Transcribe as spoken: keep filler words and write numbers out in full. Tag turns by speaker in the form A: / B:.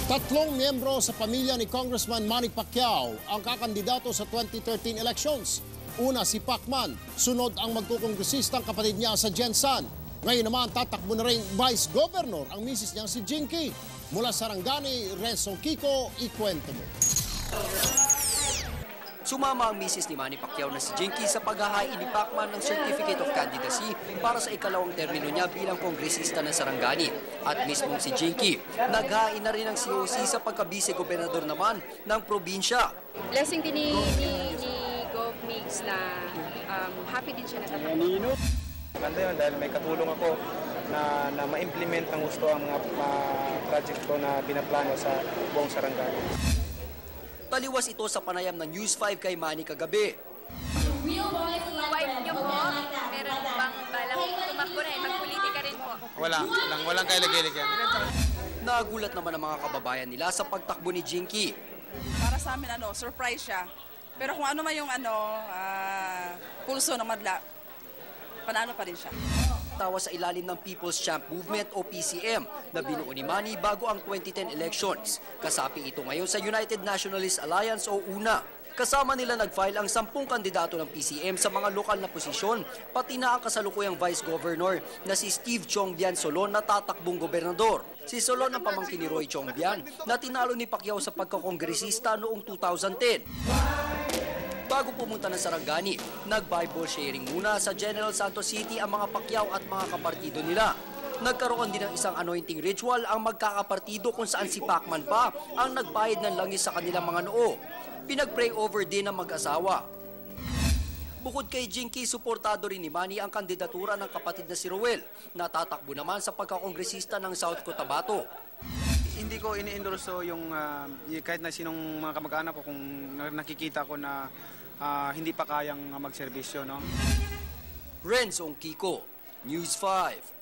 A: Tatlong miyembro sa pamilya ni Congressman Manny Pacquiao ang kakandidato sa twenty thirteen elections. Una si Pacman, sunod ang magkukongresistang kapatid niya sa Jensan. Ngayon naman tatakbo na rin Vice Governor ang misis niyang si Jinky. Mula Sarangani, Renzo Kiko, ikwento mo.
B: Sumama ang misis ni Manny Pacquiao na si Jinky sa paghahain ni Pacman ng Certificate of Candidacy para sa ikalawang termino niya bilang kongresista ng Sarangani. At mismong si Jinky, naghain na rin ng C O C sa pagka-vice-gobernador naman ng probinsya.
C: Blessing din ni, ni, ni Gov Migs na um, happy din siya na tatakbo.
D: Maganda yun dahil may katulong ako na, na ma-implement ng gusto ang mga uh, project ko na binaplano sa buong Sarangani.
B: Taliwas ito sa panayam ng News five kay Manny kagabi.
C: Wife niyo po, meron bang balang tumakbo na eh? Magpolitika rin po.
D: Wala, walang, walang kailig-ilig yan.
B: Nagulat naman ang mga kababayan nila sa pagtakbo ni Jinky.
E: Para sa amin, ano, surprise siya. Pero kung ano man yung ano, uh, pulso ng madla, panalo pa rin siya.
B: Tawa sa ilalim ng People's Champ Movement o P C M na binuo ni Manny bago ang twenty ten elections. Kasapi ito ngayon sa United Nationalist Alliance o UNA. Kasama nila nag-file ang sampung kandidato ng P C M sa mga lokal na posisyon, pati na ang kasalukuyang Vice Governor na si Steve Chongbian Solon na tatakbong gobernador. Si Solon ang pamangkin ni Roy Chongbian na tinalo ni Pacquiao sa pagkakongresista noong two thousand ten. Bago pumunta ng Sarangani, nag-Bible sharing muna sa General Santos City ang mga Pacquiao at mga kapartido nila. Nagkaroon din ng isang anointing ritual ang magkakapartido kung saan si Pacman pa ang nagbayad ng langis sa kanilang mga noo. Pinag-pray over din ng mag-asawa. Bukod kay Jinky, suportado rin ni Manny ang kandidatura ng kapatid na si Roel, na tatakbo naman sa pagkakongresista ng South Cotabato.
D: Hindi ko ini-endorso yung uh, kahit na sinong mga kamag-anak ko kung nakikita ko na uh, hindi pa kayang magserbisyo, no?
B: Renzo Kiko, News five.